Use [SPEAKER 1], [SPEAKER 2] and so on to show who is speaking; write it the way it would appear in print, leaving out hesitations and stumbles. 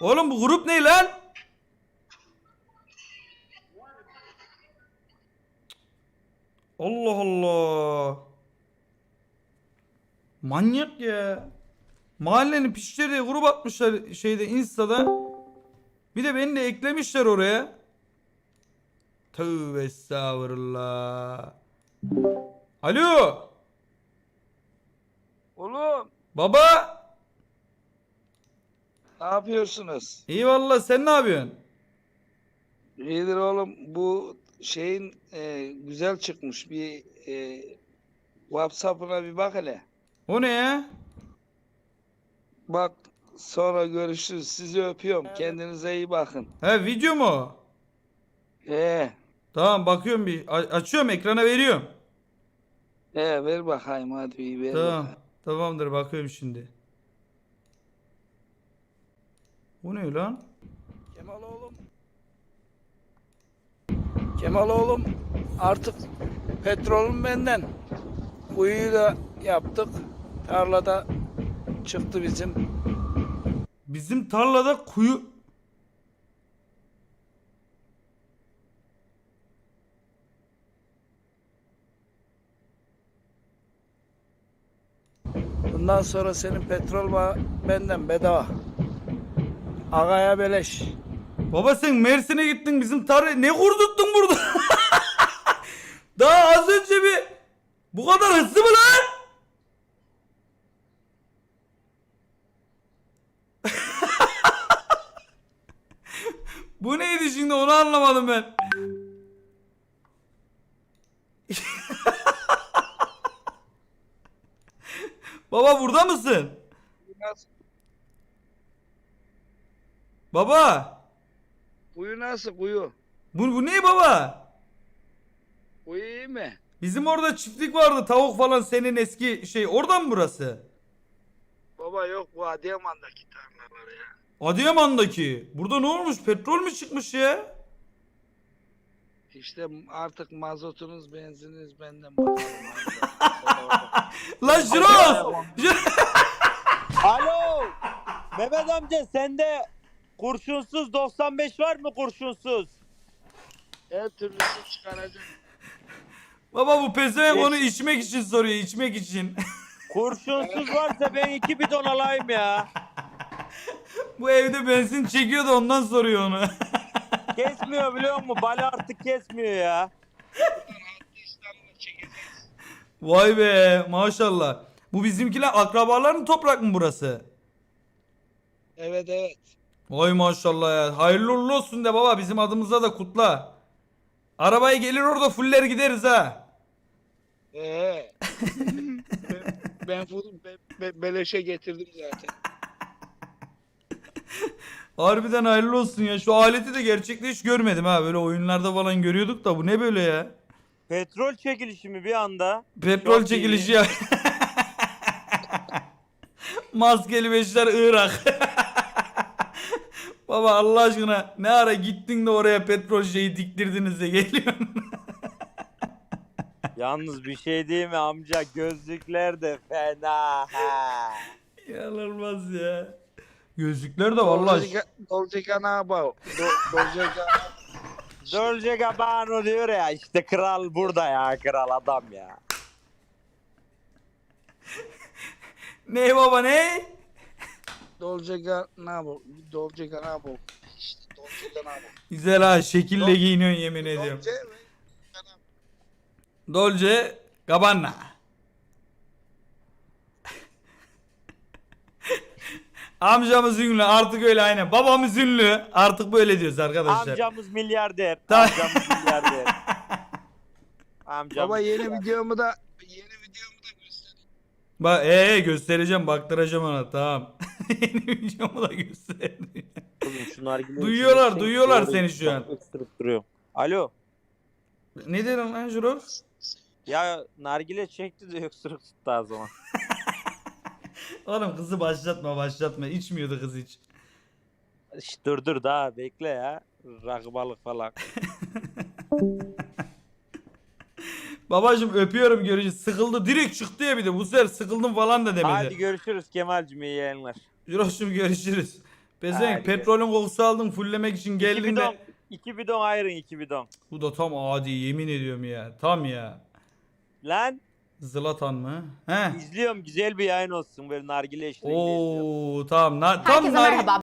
[SPEAKER 1] Oğlum bu grup ne lan? Allah Allah. Manyak ya. Mahallenin piçleri diye grup atmışlar şeyde Insta'da. Bir de beni de eklemişler oraya. Tövbe estağfurullah. Alo.
[SPEAKER 2] Oğlum
[SPEAKER 1] Baba.
[SPEAKER 2] ne yapıyorsunuz?
[SPEAKER 1] İyi valla sen ne yapıyorsun?
[SPEAKER 2] İyidir oğlum. Bu şeyin güzel çıkmış. Bir WhatsApp'ına bir bak hele.
[SPEAKER 1] O ne ya?
[SPEAKER 2] Bak sonra görüşürüz. Sizi öpüyorum. Kendinize iyi bakın.
[SPEAKER 1] He video mu o?
[SPEAKER 2] He,
[SPEAKER 1] Tamam bakıyorum bir. Açıyorum ekrana veriyorum.
[SPEAKER 2] ver bakayım hadi bir ver
[SPEAKER 1] Tamam.
[SPEAKER 2] bakayım.
[SPEAKER 1] Tamamdır bakıyorum şimdi. Bu ne lan?
[SPEAKER 2] Kemal oğlum. Kemal oğlum artık petrolün benden. Kuyuyu da yaptık. Tarlada çıktı bizim.
[SPEAKER 1] Bizim tarlada kuyu...
[SPEAKER 2] Bundan sonra senin petrol benden bedava. Agaya beleş.
[SPEAKER 1] Baba sen Mersin'e gittin bizim tarla... Ne kurduttun burada? Daha az önce bir... Bu kadar hızlı mı lan? Bu neydi şimdi onu anlamadım ben. Baba burada mısın? Baba.
[SPEAKER 2] Kuyu nasıl kuyu?
[SPEAKER 1] Bu ne baba?
[SPEAKER 2] Kuyu iyi mi?
[SPEAKER 1] Bizim orada çiftlik vardı tavuk falan senin eski şey oradan mı burası?
[SPEAKER 2] Baba yok bu Adıyaman'daki tarlalar ya.
[SPEAKER 1] Adıyaman'daki. Burada ne olmuş? Petrol mü çıkmış ya?
[SPEAKER 2] İşte artık mazotunuz benzininiz benden bakalım.
[SPEAKER 1] Lan Jiroz!
[SPEAKER 3] Alo. Mehmet amca sende kurşunsuz 95 var mı kurşunsuz?
[SPEAKER 2] Her türlüsü çıkaracak.
[SPEAKER 1] Baba bu pezevenk onu içmek için soruyor, içmek için.
[SPEAKER 3] Kurşunsuz varsa ben 2 bidon alayım ya.
[SPEAKER 1] Bu evde benzin çekiyor da ondan soruyor onu.
[SPEAKER 3] Kesmiyor biliyor musun? Bali artık kesmiyor ya.
[SPEAKER 2] İstanbul'a çekeceğiz.
[SPEAKER 1] Vay be maşallah. Bu bizimkiler akrabaların toprak mı burası?
[SPEAKER 2] Evet evet.
[SPEAKER 1] Vay maşallah ya. Hayırlı uğurlu olsun de baba bizim adımıza da kutla. Arabaya gelir orada fuller gideriz ha.
[SPEAKER 2] Ben beleşe getirdim zaten.
[SPEAKER 1] Harbiden hayırlı olsun ya. Şu aleti de gerçekte hiç görmedim ha. Böyle oyunlarda falan görüyorduk da bu ne böyle ya?
[SPEAKER 3] Petrol çekilişi mi bir anda?
[SPEAKER 1] Petrol
[SPEAKER 3] Çok
[SPEAKER 1] çekilişi
[SPEAKER 3] iyi.
[SPEAKER 1] ya. Maskeli beşler Irak. Baba Allah aşkına ne ara gittin de oraya petrol şeyi diktirdiniz de geliyorsun.
[SPEAKER 3] Yalnız bir şey değil mi amca? Gözlükler de fena. Ha.
[SPEAKER 1] İnanılmaz ya. Gözlükler de vallahi.
[SPEAKER 2] Dolce Gabbana. Dolce Gabbana.
[SPEAKER 3] Dolce Gabbana diyor ya işte kral burada ya kral adam ya.
[SPEAKER 1] Ne baba ne?
[SPEAKER 2] Dolce Gabbana. Dolce Gabbana. İşte Dolce Gabbana.
[SPEAKER 1] Güzel ha şekille giyiniyorsun yemin ediyorum.
[SPEAKER 2] Dolce ve Gabbana.
[SPEAKER 1] Dolce Gabbana. Amcamız ünlü artık öyle aynen. Babamız ünlü artık böyle diyoruz arkadaşlar.
[SPEAKER 3] Amcamız milyarder.
[SPEAKER 1] Tamam.
[SPEAKER 3] Amcamız milyarder. Amcamız
[SPEAKER 2] Baba yeni
[SPEAKER 3] milyarder.
[SPEAKER 2] videomu da göstereyim.
[SPEAKER 1] Bak göstereceğim baktıracağım ona tamam. Yeni videomu da gösterdim.
[SPEAKER 3] Oğlum şu nargileyi
[SPEAKER 1] Duyuyorlar,
[SPEAKER 3] içine
[SPEAKER 1] duyuyorlar
[SPEAKER 3] doğru
[SPEAKER 1] seni şu an.
[SPEAKER 3] ısırıp duruyorum. Alo.
[SPEAKER 1] Ne dedim lan Jurox?
[SPEAKER 3] Ya nargile çekti de öksürük tuttu o zaman.
[SPEAKER 1] Oğlum kızı başlatma. İçmiyordu kız hiç.
[SPEAKER 3] Şş, dur daha bekle ya. Rakı balık falan.
[SPEAKER 1] Babacım öpüyorum görüşürüz. Sıkıldı direkt çıktı ya bir de bu sefer sıkıldım falan da demedi.
[SPEAKER 3] Hadi görüşürüz Kemal'cim iyi yayınlar.
[SPEAKER 1] Jurox'cum görüşürüz. Pezevenk petrolün kokusu aldım fulllemek için geldiğinde.
[SPEAKER 3] 2 bidon ayırın 2 bidon.
[SPEAKER 1] Bu da tam adi yemin ediyorum ya. Tam ya.
[SPEAKER 3] Lan
[SPEAKER 1] Zlatan mı? He.
[SPEAKER 3] izliyorum güzel bir yayın olsun böyle nargile eşliğinde izliyorum.
[SPEAKER 1] Oo tamam. Tam
[SPEAKER 4] Herkese
[SPEAKER 1] nar-
[SPEAKER 4] merhaba.